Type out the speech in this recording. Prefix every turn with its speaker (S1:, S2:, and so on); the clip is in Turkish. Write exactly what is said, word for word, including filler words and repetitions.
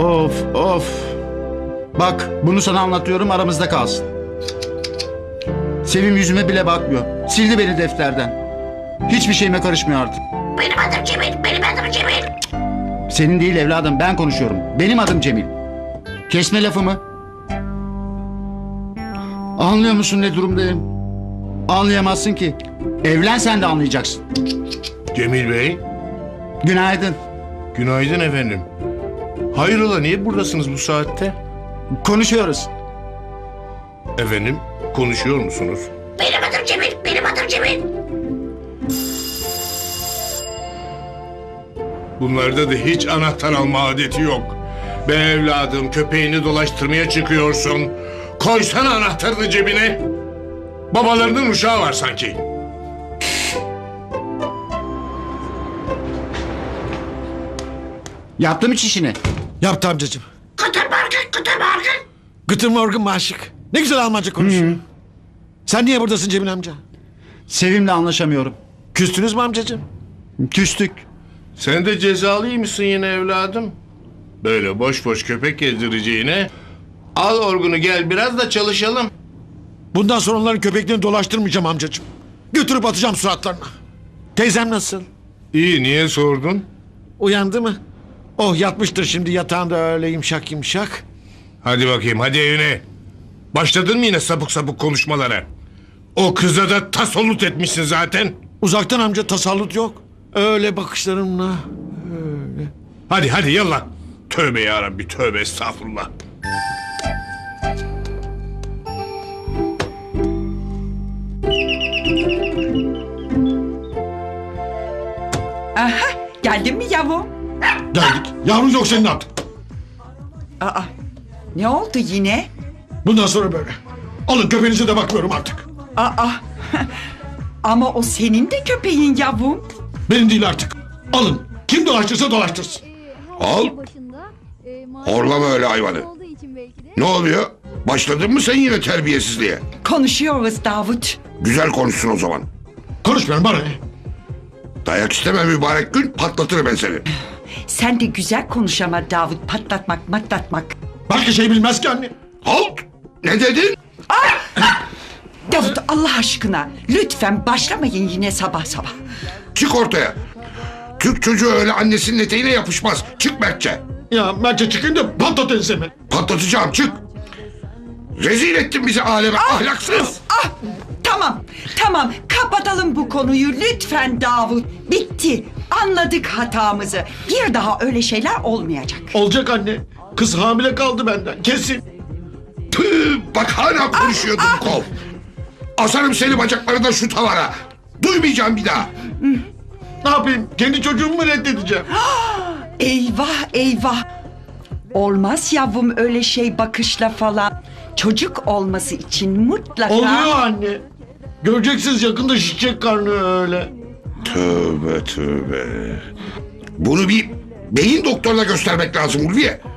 S1: Of of. Bak bunu sana anlatıyorum, aramızda kalsın. Sevim yüzüme bile bakmıyor. Sildi beni defterden. Hiçbir şeyime karışmıyor artık.
S2: Benim adım Cemil, benim adım Cemil.
S1: Senin değil evladım, ben konuşuyorum. Benim adım Cemil. Kesme lafımı. Anlıyor musun ne durumdayım? Anlayamazsın ki. Evlen sen de anlayacaksın.
S3: Cemil Bey,
S1: Günaydın.
S3: günaydın efendim. Hayrola, niye buradasınız bu saatte?
S1: Konuşuyoruz.
S3: Efendim, konuşuyor musunuz?
S2: Benim adım Cemil, benim adım Cemil.
S3: Bunlarda da hiç anahtar alma adeti yok. Be evladım, köpeğini dolaştırmaya çıkıyorsun. Koysana anahtarını cebine. Babalarının uşağı var sanki.
S1: Yaptım hiç işini.
S4: Yaptı amcacığım.
S2: Guten Morgen, guten Morgen.
S4: Guten Morgen maşık. Ne güzel Almanca konuşuyor. Sen niye buradasın Cemil amca?
S1: Sevim'le anlaşamıyorum.
S4: Küstünüz mü amcacığım?
S1: Küstük.
S3: Sen de cezalıymışsın yine evladım. Böyle boş boş köpek gezdireceğine... Al orgunu gel biraz da çalışalım.
S4: Bundan sonra onların köpeklerini dolaştırmayacağım amcacığım. Götürüp atacağım suratlarına. Teyzem nasıl?
S3: İyi, niye sordun?
S4: Uyandı mı? Oh yatmıştır şimdi yatağında öyle yumuşak yumuşak.
S3: Hadi bakayım, hadi evine. Başladın mı yine sapık sapık konuşmalara? O kıza da tasallut etmişsin zaten.
S4: Uzaktan amca tasallut yok. Öyle bakışlarımla.
S3: Hadi hadi yallah. Tövbe yarabbi, tövbe estağfurullah.
S5: Aha, geldin mi yavrum?
S4: Geldik. Yavrum yok senin artık.
S5: Aa, ne oldu yine?
S4: Bundan sonra böyle. Alın köpeğinize de bakmıyorum artık.
S5: Aa, ama o senin de köpeğin yavrum.
S4: Benim değil artık. Alın. Kim dolaştırsa dolaştırsın.
S6: Al. Horlama öyle hayvanı. Ne oluyor? Başladın mı sen yine terbiyesizliğe?
S5: Konuşuyoruz Davut.
S6: Güzel konuşsun o zaman.
S4: Konuşmuyorum bana ne?
S6: Dayak isteme mübarek gün, patlatırım ben seni.
S5: Sen de güzel konuş ama Davut, patlatmak matlatmak.
S4: Başka şey bilmez ki anne.
S6: Halt! Ne dedin?
S5: Davut Allah aşkına lütfen başlamayın yine sabah sabah.
S6: Çık ortaya. Türk çocuğu öyle annesinin eteğine yapışmaz. Çık Mertçe.
S4: Ya Mertçe çıkın da patlat ensemi.
S6: Patlatacağım, çık. Rezil ettin bizi aleme, ahlaksız.
S5: Ah, tamam tamam kapatalım bu konuyu lütfen Davut. Bitti, anladık hatamızı. Bir daha öyle şeyler olmayacak.
S4: Olacak anne. Kız hamile kaldı benden. Kesin.
S6: Tüh, bak hala konuşuyordun kov. Asarım seni bacaklarından şu tavana. Duymayacağım bir daha.
S4: Ne yapayım? Kendi çocuğumu mu reddedeceğim?
S5: Eyvah eyvah. Olmaz yavrum öyle şey bakışla falan. Çocuk olması için mutlaka...
S4: Oluyor anne. Göreceksiniz yakında şişecek karnı öyle.
S6: Tövbe tövbe. Bunu bir beyin doktoruna göstermek lazım Ulviye.